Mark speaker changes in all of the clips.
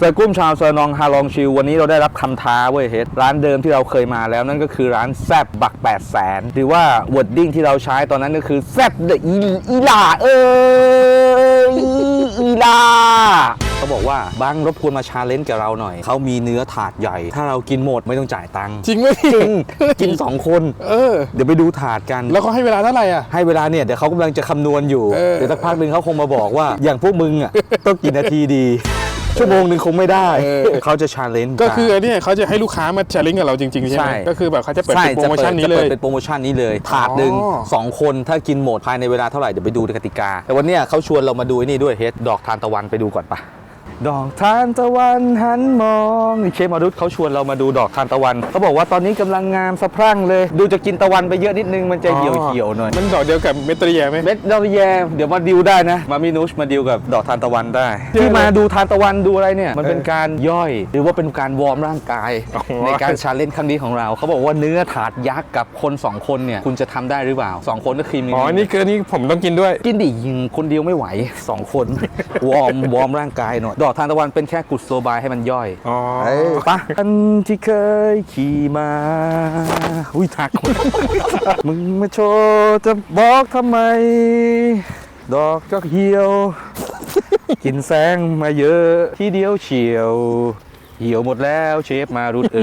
Speaker 1: ซอร์กุ้มชาวเซอร์นองฮาลองชิลวันนี้เราได้รับคำท้าเว้ยเฮดร้านเดิมที่เราเคยมาแล้วนั่นก็คือร้านแซบบัก800,000หรือว่าวอร์ดดิ้งที่เราใช้ตอนนั้นก็คือแซบเดอะอีลาอีลาเขาบอกว่าบังรบกวนมาชาเลนจ์กับเราหน่อยเขามีเนื้อถาดใหญ่ถ้าเรากินหมดไม่ต้องจ่ายตังค์
Speaker 2: จริงไหม
Speaker 1: จริงกิน2 คนเดี๋ยวไปดูถาดกัน
Speaker 2: แล้วเขาให้เวลาเท่าไหร่อ่ะ
Speaker 1: ให้เวลาเนี่ยเดี๋ยวเขากำลังจะคำนวณอยู่เดี๋ยวสักพักหนึ่งเขาคงมาบอกว่าอย่างพวกมึงอ่ะต้องกี่นาทีดีชั่วโมงหนึ่งคงไม่ได้เขาจะชาเลนจ์
Speaker 2: ก็คือเนี่ยเขาจะให้ลูกค้ามาชาเลนจ์กับเราจริงๆใช่ไหมก็คือแบบเขาจะเปิดโปรโมชั่นนี้เลย
Speaker 1: เป็นโปรโมชั่นนี้เลยถาดหนึ่ง2 คนถ้ากินหมดภายในเวลาเท่าไหร่เดี๋ยวไปดูในกติกาแต่วันนี้เขาชวนเรามาดูนี่ด้วยเฮดดอกทานตะวันไปดูก่อนปะดอกทานตะวันหันมองนี่เชฟมารุตเขาชวนเรามาดูดอกทานตะวันเขาบอกว่าตอนนี้กำลังงามสะพรั่งเลยดูจะกินตะวันไปเยอะนิดนึงมันจะเหี่ยวๆหน่อย
Speaker 2: มันดอกเดียวกับเมตรเยไหม
Speaker 1: เมตรเยเดี๋ยวมาดิวได้นะมามินุชมาดิวกับดอกทานตะวันได้ที่มาดูทานตะวันดูอะไรเนี่ยมันเป็นการย่อยหรือว่าเป็นการวอร์มร่างกายในการชาเลนจ์ครั้งนี้ของเราเขาบอกว่าเนื้อถาดยักษ์กับคน2 คนเนี่ยคุณจะทำได้หรือเปล่า2 คนก็คือมี
Speaker 2: นี่คือนี่ผมต้องกินด้วย
Speaker 1: กินดิยิงคนเดียวไม่ไหว2 คนวอร์มร่างกายหน่อยดอกทานตะวันเป็นแค่กุศโลบายให้มันย่อยปะอันที่เคยขี่มาอุ้ยทักมึงมาโชว์จะบอกทำไมดอกก็เหี่ยวกินแสงมาเยอะที่เดียวเฉียวเหี่ยวหมดแล้วเชฟมารุด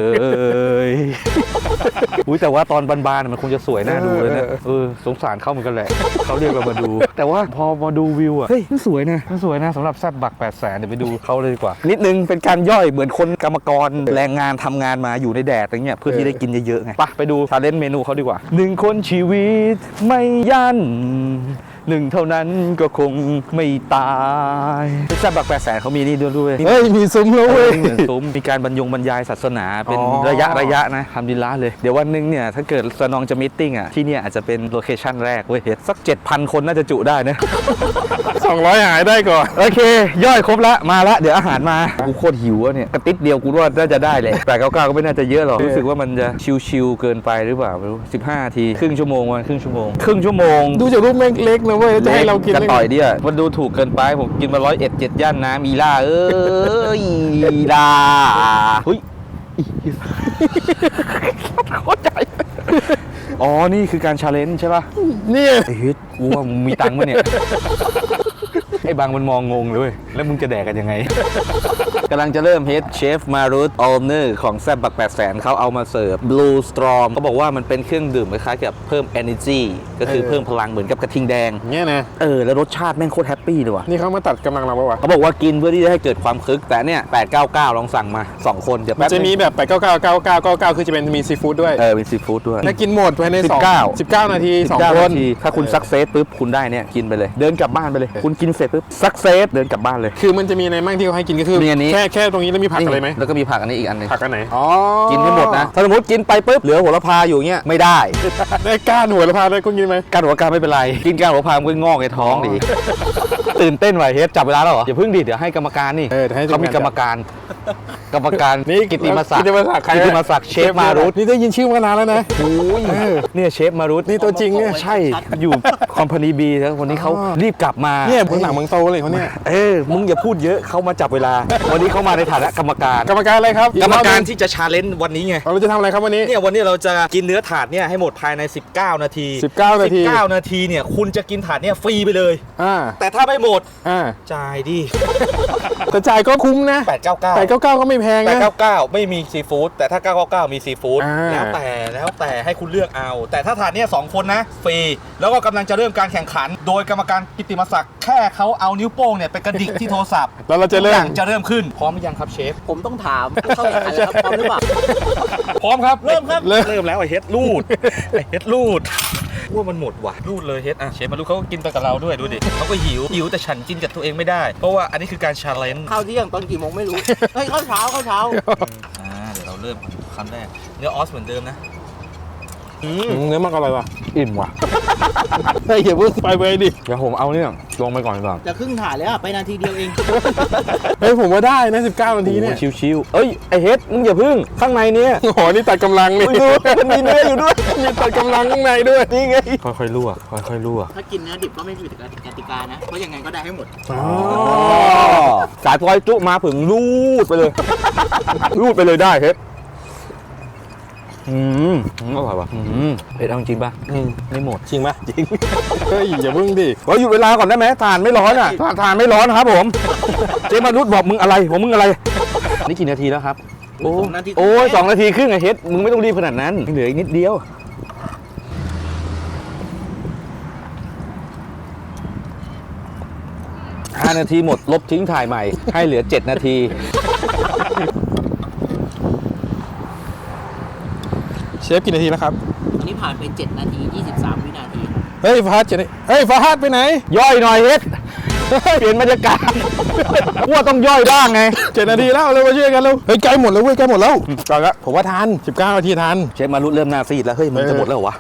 Speaker 1: อุ้ยแต่ว่าตอนบานๆมันคงจะสวยน่าดูเลยนะสงสารเขาเหมือนกันแหละเขาเรียกเรามาดูแต่ว่าพอมาดูวิวอ่ะเฮ้ยมันสวยนะสำหรับแซบบัก800,000เดี๋ยวไปดูเขาเลยดีกว่านิดนึงเป็นการย่อยเหมือนคนกรรมกรแรงงานทำงานมาอยู่ในแดดอย่างเงี้ยเพื่อที่ได้กินเยอะๆไงไปดูชาเลนจ์เมนูเขาดีกว่า1 คนชีวิตไม่ยัน1 เท่านั้นก็คงไม่ตายแซบบัก800,000เขามีนี่ด้วย
Speaker 2: เฮ้ยมีซุ้มแล้วเว้ย
Speaker 1: ซุ้มมีการบรรยายศาสนาเป็นระยะนะทำดีละเลยเดี๋ยววันนึงเนี่ยถ้าเกิดสนองจะมีตติ้งอ่ะที่เนี่ยอาจจะเป็นโลเคชั่นแรกเว้ยสัก 7,000 คนน่าจะจุได้นะ
Speaker 2: 200หายได้ก่อน
Speaker 1: โอเคย่อยครบละมาละเดี๋ยวอาหารมากูโคตรหิวอ่ะเนี่ยกระติดเดียวกูว่าน่าจะได้เลย899ก็ไม่น่าจะเยอะหรอกรู้สึกว่ามันจะชิวๆเกินไปหรือเปล่าไม่รู้15 นาทีครึ่งชั่วโมง
Speaker 2: ดูจากรูปแม่งเล็กนะเว้ยจะให้เรากิน
Speaker 1: จะต่อยดิอ่ะมันดูถูกเกินไปผมกินมา101 ย่านน้ำอีล่าอีล่าเฮ้ยเข้าใจอ๋อนี่คือการชาเลนจ์ใช่ป่ะ
Speaker 2: นี่
Speaker 1: เฮ้ยกูว่ามึงมีตังค์มั้ยเนี่ยไอ้บางมันมองงงเลยแล้วมึงจะแดกกันยังไงกำลังจะเริ่มเฮดเชฟมารุตออลเนอร์ของแซบบัก800,000เขาเอามาเสิร์ฟ Blue Storm เขาบอกว่ามันเป็นเครื่องดื่มคล้ายๆกับเพิ่ม energy ก็คือเพิ่มพลังเหมือนกับกระทิงแดง
Speaker 2: เนี่ยนะ
Speaker 1: แล้วรสชาติแม่งโคตรแฮปปี้เลยว่ะ
Speaker 2: นี่เขามาตัดกำลังเราปะวะ
Speaker 1: เขาบอกว่ากินเพื่อที่จะให้เกิดความคึกแต่เนี่ย899ลองสั่งมา2 คนเดี๋ยวแป๊บ
Speaker 2: จะมีแบบ899คือจะเป็นมีซีฟู้ดด้วย
Speaker 1: มีซีฟู้ดด้วย
Speaker 2: ถ้ากินหมดภายใน19 นาที2 คน
Speaker 1: ถ้าคุณซักเซสปุ๊บคุณได้เนี่ยกินไปเลยเดินกลับบ้านไปเลยคุณกินเสร็จปุ๊บซักเซสเดินกลับบ้านเลย
Speaker 2: คือมันจะมีในมั่งที่เขาให้กินก็คือแค่ตรงนี้แล้วมีผักอะไรไหม
Speaker 1: แล้วก็มีผักอันนี้อีกอันนึง
Speaker 2: ผักอันไหน
Speaker 1: กินให้หมดนะถ้าสมมติกินไปปุ๊บเหลือโหระพาอยู่เงี้ยไม่ได้
Speaker 2: ก้านโหระพาได้คุณกินไหม
Speaker 1: ก้านโหระพาไม่เป็นไรกินก้านโหระพามันก็งอกในท้องดิตื่นเต้นไว้เฮดจับเวลาแล้วเหรออย่าเพิ่งดิเดี๋ยวให้กรรมการนี่เขามีกรรมการนี่กิตติมศักดิ์เชฟมารุต
Speaker 2: นี่ได้ยินชื่อมานานแล้วนะ
Speaker 1: โอ้ยเนี่ยเชฟมารุต
Speaker 2: นี่ตัวจริงเนี่ย
Speaker 1: ใช่อยู่คอมพานีบีแล้ววันนี้เขารีบกลับมา
Speaker 2: เนี่ยเมืองหนังเมืองโตเลยเขาเนี่ย
Speaker 1: มึงอย่าพูดเยอะเขามาจับเวลาวันนี้เขามาในฐานะกรรมการ
Speaker 2: อะไรครับ
Speaker 1: กรรมการที่จะชาเลนจ์วันนี้ไง
Speaker 2: เราจะทำอะไรครับวันนี้
Speaker 1: เนี่ยวันนี้เราจะกินเนื้อถาดเนี่ยให้หมดภายใน19 นาที
Speaker 2: 19
Speaker 1: นาทีเนี่ยคุณจะกินถาดเนี่ยฟรีไปเลยแต่ถ้าไม่หมดจ่ายดิ
Speaker 2: แต่จ่ายก็คุ้มนะ
Speaker 1: 899
Speaker 2: ก็ไม่แพงนะ
Speaker 1: 899ไม่มีซีฟู้ดแต่ถ้า999มีซีฟู้ดแล้วแต่ให้คุณเลือกเอาแต่ถ้าถาดเนี่ย2 คนนะฟรีแล้วก็กำลังจะเริ่มการแข่งขันโดยกรรมการกิตติมศักดิ์แค่เขาเอานิ้วโป้งเนี่ยไปกระดิกที่โทรศัพท์
Speaker 2: แล้วเราจะเ
Speaker 1: ริ่มขึ้นพร้อมหรือยังครับเชฟ
Speaker 3: ผมต้องถามเข้าแข่งขันแล้วครับพร้อมหรือเปล่า
Speaker 1: พร้อมครับเริ่มแล้วไอ้เฮ็ดรูดว่ามันหมดว่ะรูดเลยเฮ็ดเชฟมารูเขาก็กินไปกับเราด้วยดูดิเขาก็หิวแต่ฉันกินกับตัวเองไม่ได้เพราะว่าอันนี้คือการชาเลนจ์
Speaker 3: ข้าวเที่ยงตอนกี่โมงไม่รู้เฮ้ยข้าวเช้า
Speaker 1: เดี๋ยวเราเริ่มคำแรกเนื้อออสเหมือนเดิมนะ
Speaker 2: เนื้อมันอร่อยว่ะ
Speaker 1: อิ่มว่ะ
Speaker 2: เฮ้ยอย่าเพิ่งไปดิ
Speaker 1: เดี๋ยวผมเอาเนี่ยลงไปก่อนดีกว่อน
Speaker 3: จะครึ่งถ่ายแล้วอะไปนาทีเดียวเอง
Speaker 2: เฮ้ยผมว่าได้นะ19 นาทีเนี่ย
Speaker 1: โอ้โหชิวๆเอ้ยไอเฮดมึงอย่าพึ่งข้างในเนี่ย
Speaker 2: โอ้โหนี่ตัดกำลังนี่
Speaker 1: มึงดูมันมีเนื้ออยู่ด้วย
Speaker 2: มีตัดกำลังข้างในด้วย
Speaker 1: นี่ไงค่อยๆลวกค่อยๆลวก
Speaker 3: ถ้ากินเนื้อดิบก็ไม่ผิดกติกานะ เพราะยังไงก็ได้ให้หมด
Speaker 1: สายพลอยจุมาผึ่งรูดไปเลย รูดไปเลยได้เฮ็ดอร่อยว่ะเฮ็ดเอาจริงป่ะไม่หมด
Speaker 2: จริงไหมจริงเฮ้ยอย่าเพิ่งดิ
Speaker 1: เฮ้ยหยุดเวลาก่อนได้ไหมทานไม่ร้อนอ่ะทานไม่ร้อนครับผม เจ๊มารุดบอกมึงอะไรผมมึงอะไร นี่กี่นาทีแล้วครับ โอ้
Speaker 3: 2 นาที
Speaker 1: โอ้ย2 นาทีครึ่งไงเฮ็ดมึงไม่ต้องรีบขนาดนั้นเหลืออีกนิดเดียว 5 นาทีหมดลบทิ้งถ่ายใหม่ ให้เหลือ 7 นาที
Speaker 2: เชฟกี่นาทีแล้วครับ
Speaker 3: ตอนนี้ผ่านไป7 นาที 23 วินาทีครับ
Speaker 2: เฮ้ยฟาฮัดจะเฮ้ยฟาฮัดไปไหน
Speaker 1: ย่อยหน่อยเฮ็ดเปลี่ยนบรรยากาศว่าต้องย่อยบ้างไง
Speaker 2: 7 นาทีแล้วเรามาช่วยกันเร็วเฮ้ยใกล้หมดแล้วเว้ยใกล้หมดแล้ว
Speaker 1: ตอนละ
Speaker 2: ผมว่าทัน19 นาทีทัน
Speaker 1: เชฟมารุดเริ่มหน้าซีดแล้วเฮ้ยมันจะหมดแล้วเหรอวะ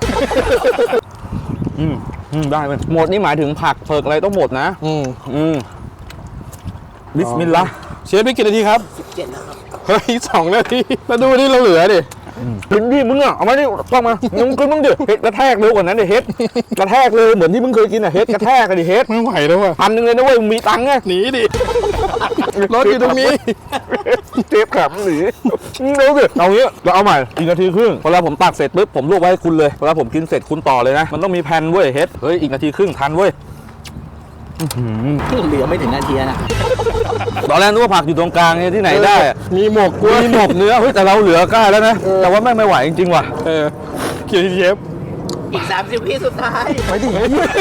Speaker 1: ได้ไหมหมดนี่หมายถึงผักเผือกอะไรต้องหมดนะบิสมิลลาห์
Speaker 2: เชฟไปกี่นาทีครับ
Speaker 3: 17 แล้วครับ
Speaker 2: เฮ้ย2 นาทีแล้วดูนี่เราเหลือดิ
Speaker 1: กินดิมึงอ่ะเอามาดิต้องมามึงกินมึงดิเฮ็ดกระแทกเร็วกว่านั้นดิเฮ็ดกระแทกเลยเหมือนที่มึงเคยกินอ่ะเฮ็ดกระแทกกันดิเฮ็ด
Speaker 2: ไม่ไหวแล้วว่ะ
Speaker 1: 1,000เลยนะเว้ยมึงมีตังค์ไง
Speaker 2: หนีดิรถอยู่ตรงนี้
Speaker 1: เจ็บขับหนีเร็วดิเอางี้เราเอาใหม่อีกนาทีครึ่งพอเราผมตักเสร็จปุ๊บผมลวกไว้ให้คุณเลยพอเราผมกินเสร็จคุณต่อเลยนะมันต้องมีแพนเว้ยเฮ็ดเฮ้ยอีกนาทีครึ่งทันเว้ย
Speaker 3: เหลือไม่ถึงนาทีนะ
Speaker 1: ตอนแรกนึกว่าผักอยู่ตรงกลางเนี่ยที่ไหนได้อะ
Speaker 2: มีหมกกล้วย
Speaker 1: มีหมกเนื้อเฮ้ยแต่เราเหลือกล้าแล้วนะแต่ว่าไม่ไหวจริงๆว่ะ
Speaker 2: กี่นาทีเชฟ
Speaker 3: อีก 30 วิสุดท้าย
Speaker 1: ไปดิ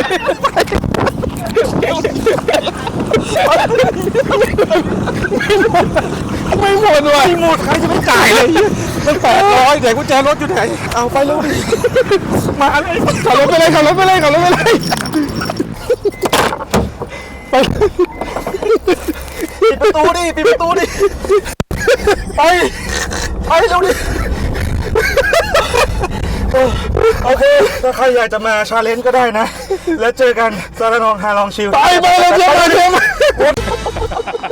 Speaker 2: ไม่หมดว่ะ
Speaker 1: ไม่หมดใครจะไม่จ่ายเลยมัน800แต่กุญแจรถอยู่ไหนเอาไปเร็วดิมาเลย
Speaker 2: ขับรถไปเลยขับรถไปเลยขับรถไปเลยไป
Speaker 1: ปิดประตูดิปิดประตูดิไปเร็วดิโอเคถ้าใครอยากจะมาชาเลนจ์ก็ได้นะ แล้วเจอกันซาลานองฮาลองชิล
Speaker 2: ไปเลยเชฟมาเชฟ